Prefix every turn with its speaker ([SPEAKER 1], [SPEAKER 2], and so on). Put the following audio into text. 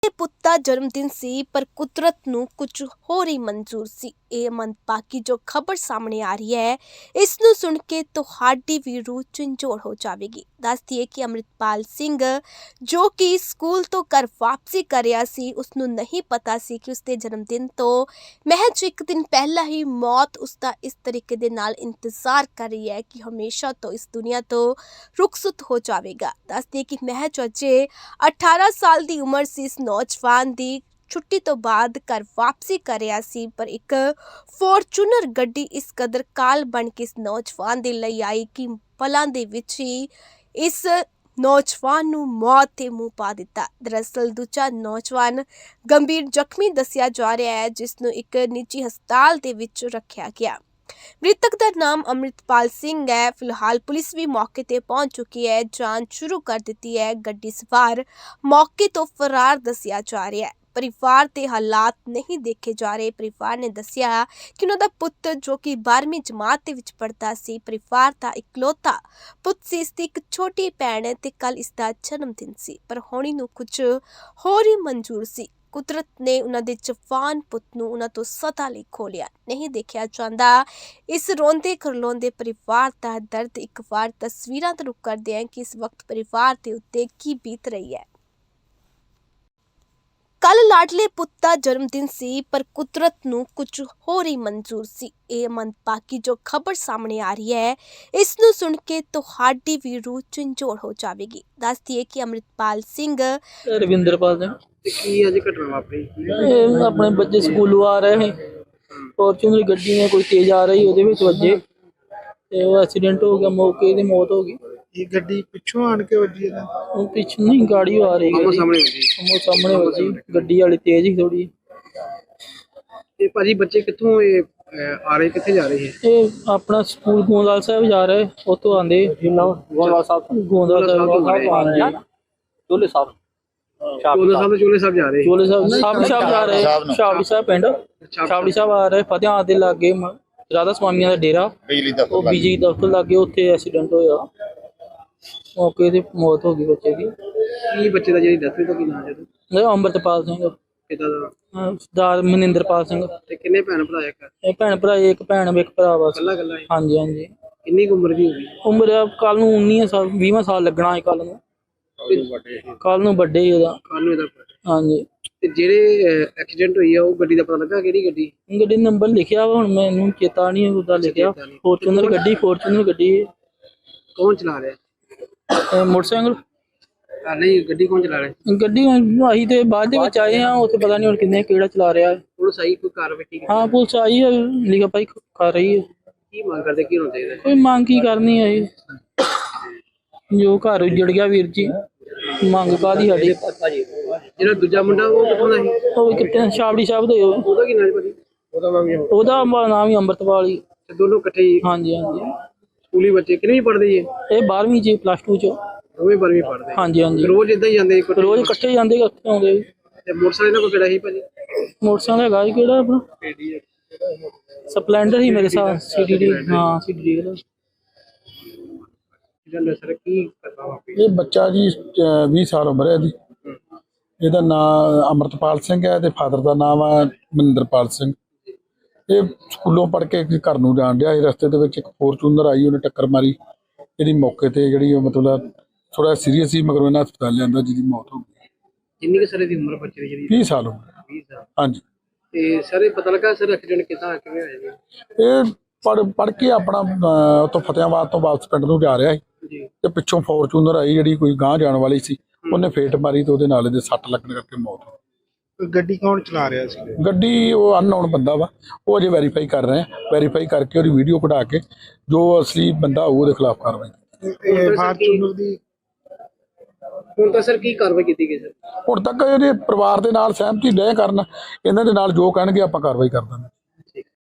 [SPEAKER 1] ਪੁੱਤ ਦਾ ਜਨਮ ਦਿਨ ਸੀ ਪਰ ਕੁਦਰਤ ਨੂੰ ਕੁਝ ਹੋਰ ਹੀ ਮਨਜ਼ੂਰ ਸੀ। ਇਹ ਮੰਦਭਾਗੀ ਜੋ ਖਬਰ ਸਾਹਮਣੇ ਆ ਰਹੀ ਹੈ, ਇਸ ਨੂੰ ਸੁਣ ਕੇ ਤੁਹਾਡੀ ਵੀ ਰੂਹ ਝੰਜੋੜ ਹੋ ਜਾਵੇਗੀ। ਦੱਸ ਦਈਏ ਕਿ ਅੰਮ੍ਰਿਤਪਾਲ ਸਿੰਘ ਜੋ ਕਿ ਸਕੂਲ ਤੋਂ ਘਰ ਵਾਪਸੀ ਕਰ ਰਿਹਾ ਸੀ, ਉਸ ਨੂੰ ਨਹੀਂ ਪਤਾ ਸੀ ਕਿ ਉਸਦੇ ਜਨਮ ਦਿਨ ਤੋਂ ਮਹਿਜ ਇੱਕ ਦਿਨ ਪਹਿਲਾਂ ਹੀ ਮੌਤ ਉਸਦਾ ਇਸ ਤਰੀਕੇ ਦੇ ਨਾਲ ਇੰਤਜ਼ਾਰ ਕਰ ਰਹੀ ਹੈ ਕਿ ਹਮੇਸ਼ਾ ਤੋਂ ਇਸ ਦੁਨੀਆ ਤੋਂ ਰੁਖਸਤ ਹੋ ਜਾਵੇਗਾ। ਦੱਸ ਦਈਏ ਕਿ ਮਹਿਜ ਅਜੇ 18 ਸਾਲ ਦੀ ਉਮਰ ਸੀ ਇਸ ਨੌਜਵਾਨ ਦੀ। ਛੁੱਟੀ ਤੋਂ ਬਾਅਦ ਘਰ ਵਾਪਸੀ ਕਰ ਰਿਹਾ ਸੀ ਪਰ ਇੱਕ ਫੋਰਚੂਨਰ ਗੱਡੀ ਇਸ ਕਦਰ ਕਾਲ ਬਣ ਕੇ ਇਸ ਨੌਜਵਾਨ ਦੇ ਲਈ ਆਈ ਕਿ ਪਲਾਂ ਦੇ ਵਿੱਚ ਹੀ ਇਸ ਨੌਜਵਾਨ ਨੂੰ ਮੌਤ ਦੇ ਮੂੰਹ ਪਾ ਦਿੱਤਾ। ਦਰਅਸਲ ਦੂਜਾ ਨੌਜਵਾਨ ਗੰਭੀਰ ਜ਼ਖਮੀ ਦੱਸਿਆ ਜਾ ਰਿਹਾ ਹੈ, ਜਿਸ ਨੂੰ ਇੱਕ ਨਿੱਜੀ ਹਸਪਤਾਲ ਦੇ ਵਿੱਚ ਰੱਖਿਆ ਗਿਆ। ਮ੍ਰਿਤਕ ਦਾ ਨਾਮ ਅੰਮ੍ਰਿਤਪਾਲ ਸਿੰਘ ਹੈ। ਫਿਲਹਾਲ ਪੁਲਿਸ ਵੀ ਮੌਕੇ ਤੇ ਪਹੁੰਚ ਚੁੱਕੀ ਹੈ, ਜਾਂਚ ਸ਼ੁਰੂ ਕਰ ਦਿੱਤੀ ਹੈ। ਗੱਡੀ ਸਵਾਰ ਮੌਕੇ ਤੋਂ ਫਰਾਰ ਦੱਸਿਆ ਜਾ ਰਿਹਾ ਹੈ। ਪਰਿਵਾਰ ਦੇ ਹਾਲਾਤ ਨਹੀਂ ਦੇਖੇ ਜਾ ਰਹੇ। ਪਰਿਵਾਰ ਨੇ ਦੱਸਿਆ ਕਿ ਉਹਨਾਂ ਦਾ ਪੁੱਤ ਜੋ ਕਿ 12ਵੀਂ ਜਮਾਤ ਦੇ ਵਿੱਚ ਪੜ੍ਹਦਾ ਸੀ, ਪਰਿਵਾਰ ਦਾ ਇਕਲੌਤਾ ਪੁੱਤ ਸੀ। ਇਸ ਦੀ ਇੱਕ ਛੋਟੀ ਭੈਣ ਹੈ ਤੇ ਕੱਲ ਇਸ ਦਾ ਜਨਮ ਦਿਨ ਸੀ, ਪਰ ਹੋਣੀ ਨੂੰ ਕੁਝ ਹੋਰ ਹੀ ਮਨਜ਼ੂਰ ਸੀ। ਕੁਦਰਤ ਨੇ ਉਹਨਾਂ ਦੇ ਜਵਾਨ ਪੁੱਤ ਨੂੰ ਉਹਨਾਂ ਤੋਂ ਸਦਾ ਲਈ ਖੋਹ ਲਿਆ। ਨਹੀਂ ਦੇਖਿਆ ਜਾਂਦਾ ਇਸ ਰੋਂਦੇ ਖਰਲਾਉਂਦੇ ਪਰਿਵਾਰ ਦਾ ਦਰਦ। ਇੱਕ ਵਾਰ ਤਸਵੀਰਾਂ ਤੋਂ ਰੁਕ ਕਰਦੇ ਹਾਂ ਕਿ ਇਸ ਵਕਤ ਪਰਿਵਾਰ ਦੇ ਉੱਤੇ ਕੀ ਬੀਤ ਰਹੀ ਹੈ। ਕੱਲ ਲਾਡਲੇ ਪੁੱਤ ਦਾ ਜਨਮ ਦਿਨ ਸੀ ਪਰ ਕੁਦਰਤ ਨੂੰ ਕੁਝ ਹੋਰ ਹੀ ਮਨਜ਼ੂਰ ਸੀ। ਇਹ ਮੰਦਭਾਗੀ ਜੋ ਖਬਰ ਸਾਹਮਣੇ ਆ ਰਹੀ ਹੈ, ਇਸ ਨੂੰ ਸੁਣ ਕੇ ਤੁਹਾਡੀ ਵੀ ਰੂਹ ਝੰਜੋੜ ਹੋ ਜਾਵੇਗੀ। ਦੱਸ ਦਈਏ ਕਿ ਅੰਮ੍ਰਿਤਪਾਲ ਸਿੰਘ
[SPEAKER 2] ਰਵਿੰਦਰਪਾਲ ਸਿੰਘ
[SPEAKER 3] ਕੀ ਅੱਜ ਘਟਨਾ ਵਾਪਰੀ?
[SPEAKER 2] ਆਪਣੇ ਬੱਚੇ ਸਕੂਲੋਂ ਆ ਰਹੇ ਸੀ, ਫੋਰਚੂਨਰ ਗੱਡੀ ਨੇ ਕੋਈ ਤੇਜ਼ ਆ ਰਹੀ ਉਹਦੇ ਵਿੱਚ ਵੱਜੇ ਤੇ ਉਹ ਐਕਸੀਡੈਂਟ ਹੋ ਗਿਆ। ਮੌਕੇ ਤੇ ਮੌਤ ਹੋ ਗਈ।
[SPEAKER 3] ਇਹ ਗੱਡੀ ਪਿੱਛੋਂ ਆਣ ਕੇ ਵੱਜੀ ਇਹਦਾ?
[SPEAKER 2] ਉਹ ਪਿੱਛੇ ਨਹੀਂ ਗਾੜੀ ਆ ਰਹੀ
[SPEAKER 3] ਆਮੋ ਸਾਹਮਣੇ ਵੱਜੀ?
[SPEAKER 2] ਉਹ ਸਾਹਮਣੇ ਵੱਜੀ। ਗੱਡੀ ਵਾਲੀ ਤੇਜ਼ ਹੀ ਥੋੜੀ।
[SPEAKER 3] ਤੇ ਭਾਜੀ ਬੱਚੇ ਕਿੱਥੋਂ ਆ ਰਹੇ, ਕਿੱਥੇ ਜਾ ਰਹੇ ਹੈ?
[SPEAKER 2] ਇਹ ਆਪਣਾ ਸਕੂਲ ਗੋਂਦਵਾਲ ਸਾਹਿਬ ਜਾ ਰਹੇ, ਉੱਥੋਂ ਆਂਦੇ ਗੋਂਦਵਾਲ ਸਾਹਿਬ ਆ ਰਹੇ। ਚੋਲੇ ਸਾਹਿਬ
[SPEAKER 3] ਚੋਲੇ ਸਾਹਿਬ ਜਾ ਰਹੇ?
[SPEAKER 2] ਚੋਲੇ ਸਾਹਿਬ ਜਾ ਰਹੇ। ਛਾਬੜੀ ਸਾਹਿਬ ਪਿੰਡ ਛਾਬੜੀ ਸਾਹਿਬ ਆ ਰਹੇ। ਫਤਿਆਬਾਦ ਦੇ ਲਾਗੇ ਰਾਧਾ ਸਵਾਮੀਆਂ ਦਾ ਡੇਰਾ, ਉਹ ਬਿਜਲੀ ਦਫ਼ਤਰ ਲਾਗੇ, ਉੱਥੇ ਐਕਸੀਡੈਂਟ ਹੋਇਆ। ਮੌਕੇ ਤੇ ਮੌਤ ਹੋ ਗਈ ਬੱਚੇ ਦੀ।
[SPEAKER 3] ਕੀ ਬੱਚੇ ਦਾ ਜਿਹੜੀ ਡੈਥ ਹੋਈ ਤਾਂ ਕੀ ਨਾਮ ਹੈ?
[SPEAKER 2] ਅੰਮ੍ਰਿਤਪਾਲ ਸਿੰਘ।
[SPEAKER 3] ਪਿਤਾ ਦਾ?
[SPEAKER 2] ਸਰਦਾਰ ਮਨਿੰਦਰਪਾਲ ਸਿੰਘ।
[SPEAKER 3] ਤੇ ਕਿੰਨੇ ਭੈਣ ਭਰਾ?
[SPEAKER 2] ਇਹ ਭੈਣ ਭਰਾ, ਇੱਕ ਭੈਣ ਇੱਕ ਭਰਾ ਬਸ।
[SPEAKER 3] ਕੱਲਾ?
[SPEAKER 2] ਹਾਂਜੀ ਹਾਂਜੀ।
[SPEAKER 3] ਕਿੰਨੀ ਉਮਰ ਦੀ ਹੋਗੀ?
[SPEAKER 2] ਉਮਰ ਕੱਲ ਨੂੰ 19 ਸਾਲ 20ਵਾਂ ਸਾਲ ਲੱਗਣਾ ਹੈ। ਕੱਲ ਨੂੰ ਵੱਡੇ ਹੀ ਉਹਦਾ। ਹਾਂਜੀ।
[SPEAKER 3] ਤੇ ਜਿਹੜੇ ਐਕਸੀਡੈਂਟ ਹੋਈ ਆ ਉਹ ਗੱਡੀ ਦਾ ਪਤਾ ਲੱਗਾ ਕਿਹੜੀ ਗੱਡੀ?
[SPEAKER 2] ਗੱਡੀ ਨੰਬਰ ਲਿਖਿਆ ਵਾ, ਹੁਣ ਮੈਨੂੰ ਚੇਤਾ ਨਹੀਂ ਉਹਦਾ ਲਿਖਿਆ। ਫੋਰਚੂਨਰ ਗੱਡੀ।
[SPEAKER 3] ਕੌਣ ਚਲਾ ਰਿਹਾ?
[SPEAKER 2] ਮੋਟਰਸਾਈਕਲ
[SPEAKER 3] ਨਹੀਂ, ਗੱਡੀ ਕੌਣ ਚਲਾ ਰਿਹਾ?
[SPEAKER 2] ਗੱਡੀ ਅਸੀਂ ਤੇ ਬਾਅਦ ਦੇ ਵਿੱਚ ਆਏ ਹਾਂ, ਉੱਥੇ ਪਤਾ ਨਹੀਂ ਹੁਣ ਕਿਹੜਾ ਚਲਾ ਰਿਹਾ।
[SPEAKER 3] ਪੁਲਿਸ ਆਈ? ਕੋਈ ਕਾਰਵਾਈ?
[SPEAKER 2] ਹਾਂ ਪੁਲਿਸ ਆਈ ਹੈ, ਲਿਖਾ ਭਾਈ ਕਰ ਰਹੀ ਹੈ।
[SPEAKER 3] ਕੀ ਮੰਗ ਕਰਦੇ, ਕੀ ਹੋਣਾ ਚਾਹੀਦਾ?
[SPEAKER 2] ਕੋਈ ਮੰਗ ਕੀ ਕਰਨੀ ਹੈ ਜੋ ਘਰ ਉਜੜ ਗਿਆ ਵੀਰ ਜੀ। ਮੰਗ ਕਾਹਦੀ ਸਾਡੀ?
[SPEAKER 3] ਜਿਹੜਾ ਦੂਜਾ ਮੁੰਡਾ ਉਹ ਕਿੱਥੋਂ ਦਾ ਸੀ?
[SPEAKER 2] ਉਹ ਕਿੱਥੇ? ਛਾਬੜੀ ਸਾਹਿਬ ਦੇ।
[SPEAKER 3] ਉਹਦਾ ਕੀ ਨਾਮ ਹੈ ਭਾਜੀ?
[SPEAKER 2] ਉਹਦਾ ਨਾਮ ਹੀ ਅੰਮ੍ਰਿਤਪਾਲ ਹੀ।
[SPEAKER 3] ਦੋਨੋਂ ਇਕੱਠੇ ਹੀ?
[SPEAKER 2] ਹਾਂਜੀ ਹਾਂਜੀ।
[SPEAKER 3] ਸਕੂਲੀ ਬੱਚੇ ਕਿੰਨੀ ਪੜ੍ਹਦੇ ਜੀ?
[SPEAKER 2] ਇਹ 12ਵੀਂ ਚ +2 ਚ।
[SPEAKER 3] ਦੋਵੇਂ 12ਵੀਂ ਪੜ੍ਹਦੇ?
[SPEAKER 2] ਹਾਂਜੀ ਹਾਂਜੀ।
[SPEAKER 3] ਰੋਜ਼ ਇਦਾਂ ਹੀ ਜਾਂਦੇ?
[SPEAKER 2] ਰੋਜ਼ ਇਕੱਠੇ ਜਾਂਦੇ, ਇਕੱਠੇ ਆਉਂਦੇ।
[SPEAKER 3] ਤੇ ਮੋਟਰਸਾਈਕਲ ਨਾਲ ਕੋਈ ਕਿਹੜਾ ਸੀ ਭਾਜੀ?
[SPEAKER 2] ਮੋਟਰਸਾਈਕਲ ਹੈਗਾ ਜੀ, ਕਿਹੜਾ ਆਪਣਾ ਸਪਲੈਂਡਰ ਹੀ ਮੇਰੇ ਸਾਹ। CDD। ਹਾਂ CDD ਦਾ।
[SPEAKER 3] ਸਰ ਕੀ ਕਰਦਾ ਵਾਪੀ?
[SPEAKER 4] ਇਹ ਬੱਚਾ ਜੀ 20 ਸਾਲ ਉਮਰ ਹੈ ਇਹਦੀ। ਇਹਦਾ ਨਾਮ ਅੰਮ੍ਰਿਤਪਾਲ ਸਿੰਘ ਹੈ ਤੇ ਫਾਦਰ ਦਾ ਨਾਮ ਹੈ ਮਨਿੰਦਰਪਾਲ ਸਿੰਘ। ਇਹ ਸਕੂਲੋਂ ਪੜ੍ਹ ਕੇ ਘਰ ਨੂੰ ਜਾਣ ਡਿਆ ਸੀ। ਰਸਤੇ ਦੇ ਵਿੱਚ ਇੱਕ ਫੋਰਚੂਨਰ ਆਈ, ਉਹਨੇ ਟੱਕਰ ਮਾਰੀ। ਇਹਦੀ ਮੌਕੇ ਤੇ ਜਿਹੜੀ ਮਤਲਬ ਥੋੜਾ ਸੀਰੀਅਸ ਸੀ, ਮਗਰ ਇਹਨਾਂ ਹਸਪਤਾਲ ਲਿਆਂਦਾ, ਜਿਹਦੀ ਮੌਤ ਹੋ ਗਈ।
[SPEAKER 3] ਕਿੰਨੀ ਕੁ ਸਾਲ ਦੀ ਉਮਰ ਬੱਚੇ ਦੀ ਜਿਹੜੀ?
[SPEAKER 4] 20 ਸਾਲ ਉਮਰ।
[SPEAKER 3] 20 ਸਾਲ।
[SPEAKER 4] ਹਾਂਜੀ।
[SPEAKER 3] ਤੇ ਸਰ ਇਹ ਪਤਾ ਲੱਗਾ ਸਰ ਐਕਸੀਡੈਂਟ ਕਿੱਦਾਂ ਕਿਵੇਂ ਹੋਇਆ ਜੀ?
[SPEAKER 4] ਇਹ ਪੜ੍ਹ ਕੇ ਆਪਣਾ ਉੱਥੋਂ ਫਤਿਆਬਾਦ ਤੋਂ ਵਾਪਸ ਪਿੰਡ ਨੂੰ ਜਾ ਰਿਹਾ ਸੀ
[SPEAKER 3] ਜੀ।
[SPEAKER 4] ਤੇ ਪਿੱਛੋਂ ਫੋਰਚੂਨਰ ਆਈ ਜਿਹੜੀ ਕੋਈ ਗਾਂਹ ਜਾਣ ਵਾਲੀ ਸੀ, ਉਹਨੇ ਫੇਟ ਮਾਰੀ ਤੇ ਉਹਦੇ ਨਾਲ ਇਹਦੇ ਸੱਟ ਲੱਗਣ ਕਰਕੇ ਮੌਤ ਹੋ ਗਈ।
[SPEAKER 3] ਗੱਡੀ ਕੌਣ ਚਲਾ ਰਿਹਾ ਸੀ?
[SPEAKER 4] ਗੱਡੀ ਉਹ ਅਨਨੋਨ ਬੰਦਾ ਵਾ, ਉਹ ਅਜੇ ਵੈਰੀਫਾਈ ਕਰ ਰਹੇ ਆ। ਵੈਰੀਫਾਈ ਕਰਕੇ ਉਹਦੀ ਵੀਡੀਓ ਕਢਾ ਕੇ ਜੋ ਅਸਲੀ ਬੰਦਾ ਹੋਊ ਉਹਦੇ ਖਿਲਾਫ ਕਾਰਵਾਈ।
[SPEAKER 3] ਫਾਰਚੂਨਰ ਦੀ ਹੁਣ ਤਾਂ ਸਰ ਕੀ ਕਾਰਵਾਈ ਕੀਤੀ ਗਈ ਸਰ?
[SPEAKER 4] ਹੁਣ ਤੱਕ ਇਹਦੇ ਪਰਿਵਾਰ ਦੇ ਨਾਲ ਸਹਿਮਤੀ ਡੈ ਕਰਨ, ਇਹਨਾਂ ਦੇ ਨਾਲ ਜੋ ਕਹਿਣਗੇ ਆਪਾਂ ਕਾਰਵਾਈ ਕਰ ਦਾਂਗੇ।